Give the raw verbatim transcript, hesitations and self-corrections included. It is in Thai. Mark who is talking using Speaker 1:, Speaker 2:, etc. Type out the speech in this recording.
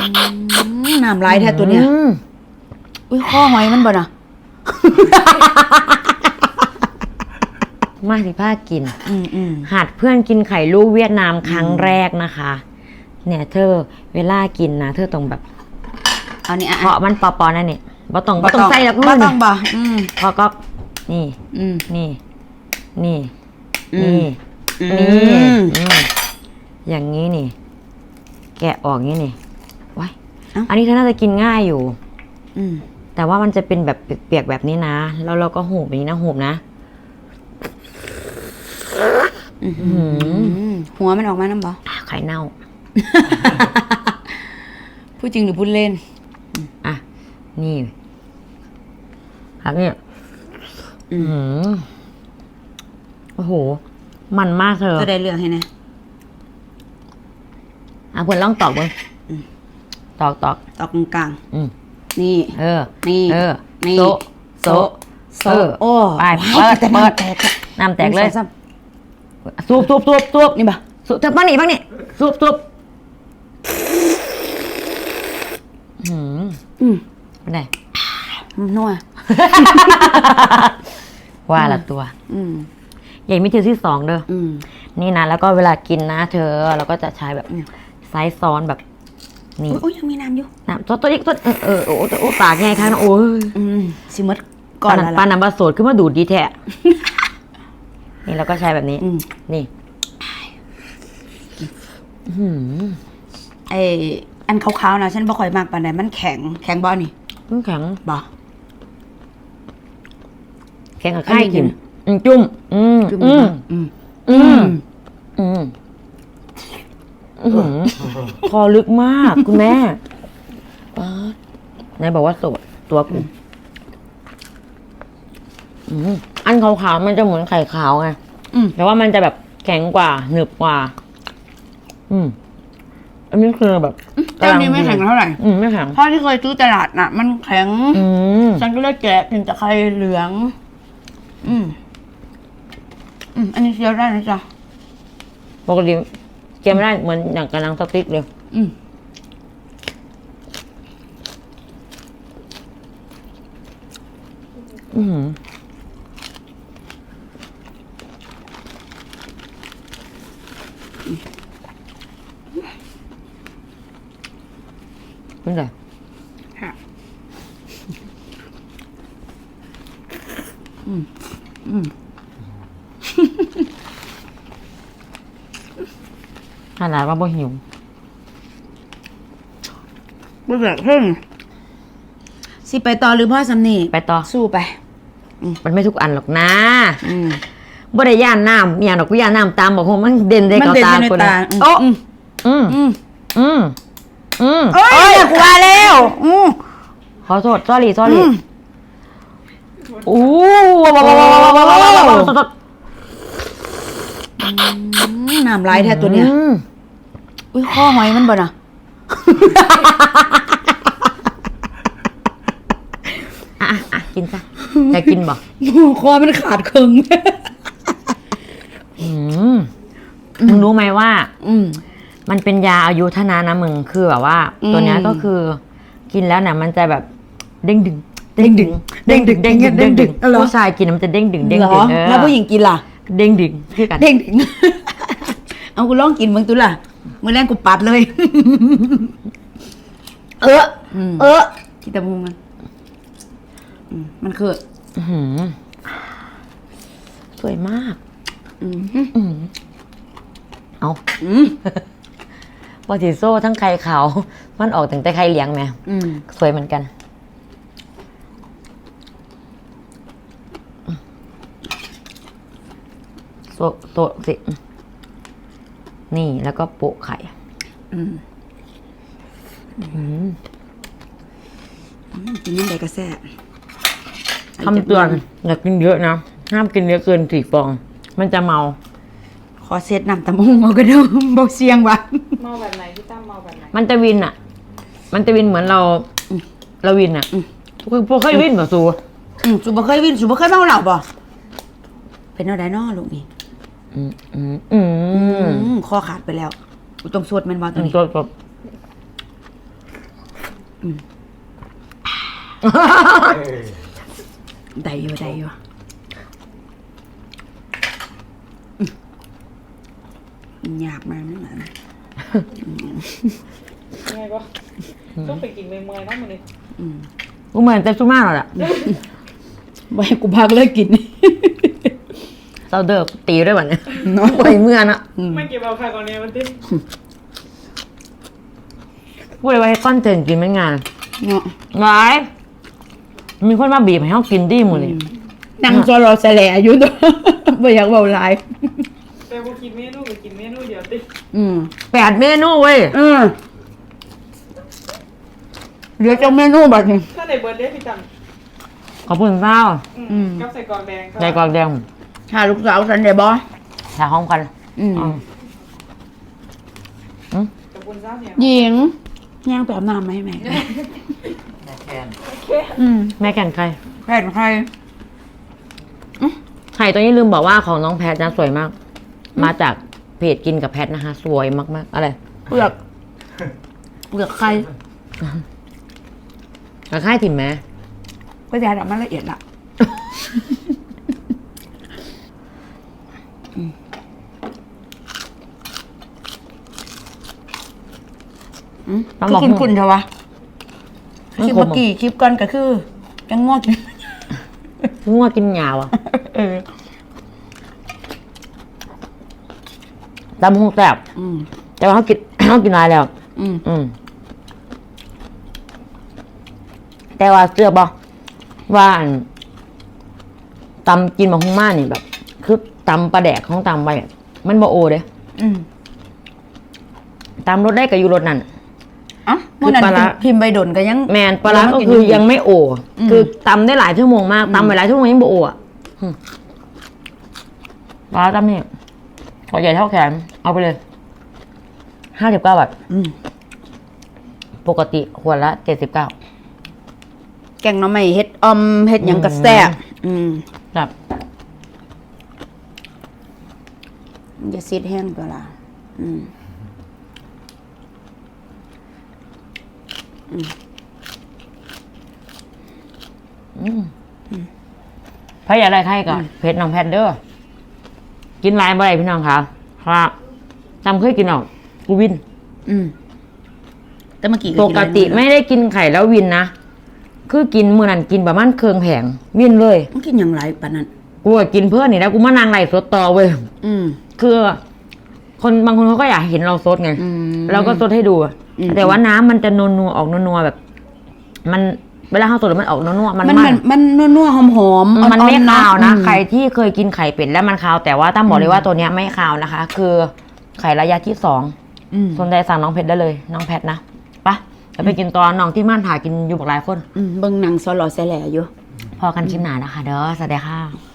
Speaker 1: น้ำลายแท้ตัวเนี้ยอุ้ยข้อหอยมันบ่น่ะ
Speaker 2: มาสิผ้ากิน
Speaker 1: อืม
Speaker 2: หัดเพื่อนกินไข่ลูกเวียดนามครั้งแรกนะคะเนี่ยเธอเวลากินนะเธอต้องแบบ
Speaker 1: เอานี่
Speaker 2: เพราะมันปอๆนั่นนี่บ่ต้องบ่ต้องใส่แล้ว
Speaker 1: บ่ต้องบ่
Speaker 2: พอก็นี่นี่นี่นี่นี่อย่างนี้นี่แกะออกงี้นี่ว้ายอันนี้เธอน่าจะกินง่ายอยู่แต่ว่ามันจะเป็นแบบเปียกๆแบบนี้นะแล้วเราก็หูบแบบนี้นะหูบนะ
Speaker 1: หัวมันออกมาน้ำบ่
Speaker 2: ไข่เน่า
Speaker 1: พูดจริงหรือพูดเล่น
Speaker 2: อ่ะนี่ครับเนี่ยอืมโอ้โหมันมากเธอ
Speaker 1: จะได้เรื่องให้นะ
Speaker 2: อ่ะเพื่อนลองตอกมึงตอกตอก
Speaker 1: ตอกกลางนี่
Speaker 2: เออ
Speaker 1: นี่
Speaker 2: เออ
Speaker 1: นี่
Speaker 2: โซโซ
Speaker 1: โซโอ้
Speaker 2: ไปเปิดเปิดน้ำแตกเลยสูบสูบสูบสูบ
Speaker 1: นี่บ่
Speaker 2: สูบเธอบ้างนี่บ้างนี่สูบสูบอืมอืมเป็นไง
Speaker 1: นัว
Speaker 2: ว่าละตัวอืมใหญ่มิถือที่สองเด้ออืมนี่นะแล้วก็เวลากินนะเธอเราก็จะใช้แบบไซส์ซ้อนแบบนี่
Speaker 1: โอ้ยยังมีน้ำอยู่
Speaker 2: น้ำตัวตัวนี้ตัวเออเออโอ้โอ้ปากไงคะโอ้ย
Speaker 1: อืมสิมดก่อนละ
Speaker 2: ปานัมบาโสดขึ้นมาดูดดีแท้นี่เราก็ใช้แบบนี้นี่
Speaker 1: ไออันขาวๆนะฉันบ่ค่อยมากปานใดมันแข็งแข็งบ่นี่
Speaker 2: มันแข็ง
Speaker 1: บ่
Speaker 2: แข็งกับไข่กินจุ่มอืมอืมอืมอืมอืมคอลึกมากคุณแม่นายบอกว่าโสดตัวกูอันขาวๆมันจะเหมือนไข่ขาวไงแต่ว่ามันจะแบบแข็งกว่าหนึบกว่าอืมอันนี้คือแบบ
Speaker 1: เจ้านี้ไม่แข็งเท่าไหร่
Speaker 2: อืมไม่แข็ง
Speaker 1: เพราะที่เคยซื้อตลาดน่ะมันแข็งฉันก็เลยแกะถึงจะไข่เหลืองอืมอืมอันนี้เคี้ยวได้นะจ๊ะ
Speaker 2: ปกติเคี้ยวไม่ได้เหมือนอย่างกระนังสติ๊กเลยอืมอืมเป็นไงค่ะอืมอืมขนาดว่าบ่หิว
Speaker 1: บ่อยากขึ้นสิไปต่อหรือพ่อสำนี
Speaker 2: ไปต่อ
Speaker 1: สู้ไป
Speaker 2: มันไม่ทุกอันหรอกนะบ่ได้ย่านน้ำอย่างดอกกูย่านน้ำตามบอกว่ามันเด่นได้กับตาคนโอ้อืมอืมอืมอืม
Speaker 1: เอ้ยกูว่าแล้วอืม
Speaker 2: ขอโทษ sorry sorry โอ้ว้าวว้าวว้าวว้าวว้าว
Speaker 1: น้ำลายแท้ตัวเนี้ยอุ้ยข้อหอยมันบ่น่ะ
Speaker 2: อ่ะอ่ะกินซะจะกินบ่
Speaker 1: คอมันขาดครึ่ง
Speaker 2: มึงรู้ไหมว่ามันเป็นยาอายุทนะนะมึงคือแบบว่าตัวนี้ก็คือกินแล้วเนี่ยมันจะแบบเด้งดึงเด้งดึงเด้งดึงเด้งดึงเด้งดึงผู้ชายกินมันจะเด้งดึงเด้งดึง
Speaker 1: แล้วผู้หญิงกินล่ะ
Speaker 2: เด้งดึงคือกัน
Speaker 1: เด้งดึงเอากูลองกินมึงตัวล่ะมื้อแรกกูปัดเลยเออเออที่ตะมูมันมันคือ
Speaker 2: สวยมากเอาปอติโซ่ทั้งไข่ขาวมันออกถึงแต่ไข่เหลียงไหมสวยเหมือนกันโซโซสินี่แล้วก็โปะไข่
Speaker 1: กินยังไงก็แซ่บ
Speaker 2: คำเตือนอย่ากินเยอะนะห้ามกินเยอะเกินสี่ฟองมันจะเมา
Speaker 1: ขอเซตน้ำตะมุงเอาก็ได้เบาเสียงวะ
Speaker 3: เมาแบบไหนพี่ตั้มเมาแบบไหน
Speaker 2: มันจะวินอ่ะมันจะวินเหมือนเราเราวินอ่ะคือพวกเคยวินป่ะสู
Speaker 1: สูบ่เคยวินสูบ่เคยเมาเหล้าป่ะเป็นอะไรนอลูกนี่อืมอืมอืมคอขาดไปแล้วกูต้องสวดมันว่าตัวนี้
Speaker 2: สวดสวด
Speaker 1: ได้อยู่ได้อยู่หยาบมากนั่นแหละ
Speaker 3: ไงก็ต้องไปกินเมื่อยๆเนาะมันนี่
Speaker 2: กูเหมือนแต่ซุม่าหรอกอะ
Speaker 1: ไว้กูพักเลิกกิน
Speaker 2: เราเดิมตีด้วยวันเนี่ย
Speaker 1: เนาะ
Speaker 2: ไปเมื่อนะ
Speaker 3: ไม่เก็บเอาค่ะก่อนเนี้ยมันติ
Speaker 2: พูดเลยว่าให้ก้อนเจนกินไม่งาน
Speaker 1: เนาะ
Speaker 2: ไว้มีคนมาบีบให้เขากินดีหมดเลย
Speaker 1: นั่งจอรอแสลอยู่ตัว ไม่อยากเบาหลาย
Speaker 3: แต่พอกินเมนูก็กินเมนูเดียวติ
Speaker 1: อืม
Speaker 2: แปดเมนูเว้ย
Speaker 1: เออเหลือจังเมนูบัดนี้
Speaker 3: ถ้าในเบิร์ดเดย์พี่ตั้ม
Speaker 2: ขอบคุณเจ้า
Speaker 3: อืมกับใส่กรอกแดง
Speaker 2: ใจกรอกแดง
Speaker 1: ถ้าลูกสาวสันเดบอ
Speaker 2: ถ่ายห้องกัน
Speaker 1: อืม
Speaker 2: อืมอืม
Speaker 3: กับปุ้นซ่าเนี่ย
Speaker 1: หญิงย่างไปอาบน้ำไหมแม่
Speaker 4: แม่แคน
Speaker 1: อืม
Speaker 2: แม่แก่นใคร
Speaker 1: แผ่นใคร
Speaker 2: ไข่ตัวนี้ลืมบอกว่าของน้องแพทนะสวยมาก มาจากเพจกินกับแพทนะคะ สวยมากๆ อะไร
Speaker 1: เปลือกเปลือกใคร
Speaker 2: กระค่ายถิ่มไหม
Speaker 1: ก็จะทำมันละเอียดละอืม
Speaker 2: ต้อง
Speaker 1: คื
Speaker 2: บอก
Speaker 1: อคุณคุณเถอะวะคลิป
Speaker 2: ขม
Speaker 1: เมื่อกี้คลิปก่อนก็คือจังงอก
Speaker 2: งัวกินหยาวอ่ะ
Speaker 1: เออ
Speaker 2: ตำหูแซ่บ
Speaker 1: อืม
Speaker 2: แต่ว่าเขากิน เขากินหลายแล้ว
Speaker 1: อืม
Speaker 2: อืมแต่ว่าเสื้อบอกว่าอันตำกินมาหุ้งมานี่แบบ คือตำปลาแดกของตำไปอะมันบ่โอเด้
Speaker 1: อืม
Speaker 2: ตำรสได้กับอยู่รสนั่น
Speaker 1: อ่ะ
Speaker 2: คือ
Speaker 1: เมื่อนั้น
Speaker 2: ปลาร้า
Speaker 1: พิมพ์ใบดนก็ยัง
Speaker 2: แมนปลาร้าก็คือยังไม่โอ
Speaker 1: อืม
Speaker 2: คือตำได้หลายชั่วโมงมากตำไปหลายชั่วโมงยังบ่โออ่ะอืมปลาร้าตำนี่ขอใหญ่เท่าแขนเอาไปเลยห้าสิบเก้าบาท
Speaker 1: อืม
Speaker 2: ปกติขวดละเจ็ดสิบเก้า
Speaker 1: แกงหน้ำไม่เฮ็ดออมเฮ็ดหยังกระแซ่บอืม
Speaker 2: ครับ
Speaker 1: มันจะซีดแห้งตัวละอืม
Speaker 2: พระอยากได้ไข่ก่อนเพชรน้องแพทเด้อกินหลายบ่ได้พี่น้องค่ะครับจำเคยกินออกกูวิน
Speaker 1: อืมแต่เมื่อกี้
Speaker 2: ปกติไม่ได้กินไข่แล้ววินนะ คือกินมื้อนั้นกินประมาณเครื่องแผงวินเลย
Speaker 1: มันกินอย่างไรปานนั้น
Speaker 2: กูก็กินเพื่อนนี่แล้วกูมานั่งไล่สดต่อเว้ย
Speaker 1: อืม
Speaker 2: คือ คนบางคนเขาก็อยากเห็นเราสดไง
Speaker 1: อืม
Speaker 2: เราก็สดให้ดู
Speaker 1: อืม
Speaker 2: แต่ว่าน้ำมันจะนัวๆออกนัวๆแบบ มันเวลาเขาสดแล้วมันออกนัวๆมัน
Speaker 1: มัน
Speaker 2: มั
Speaker 1: มัน นมันนัวๆหอมหอมๆ
Speaker 2: มันไม่
Speaker 1: อ่อๆ
Speaker 2: คาวนะ
Speaker 1: อืม
Speaker 2: ใครที่เคยกินไข่เป็ดแล้วมันคาว แต่ว่าตั้มบอกเลยว่าตัวเนี้ยไม่คาวนะคะ คือไข่ระยะที่สอง
Speaker 1: อืม
Speaker 2: สนใจสั่งน้องเพชรได้เลย น้องแพทนะไปจะไปกินตอนน้องที่ม่านถ่ายกินอยู่บอกหลายคน
Speaker 1: อืมเบิ่งหนังซอหล่อแสแหล่อยู่
Speaker 2: พอกันคลิปหนานะคะ เด้อสวัสดีค่ะ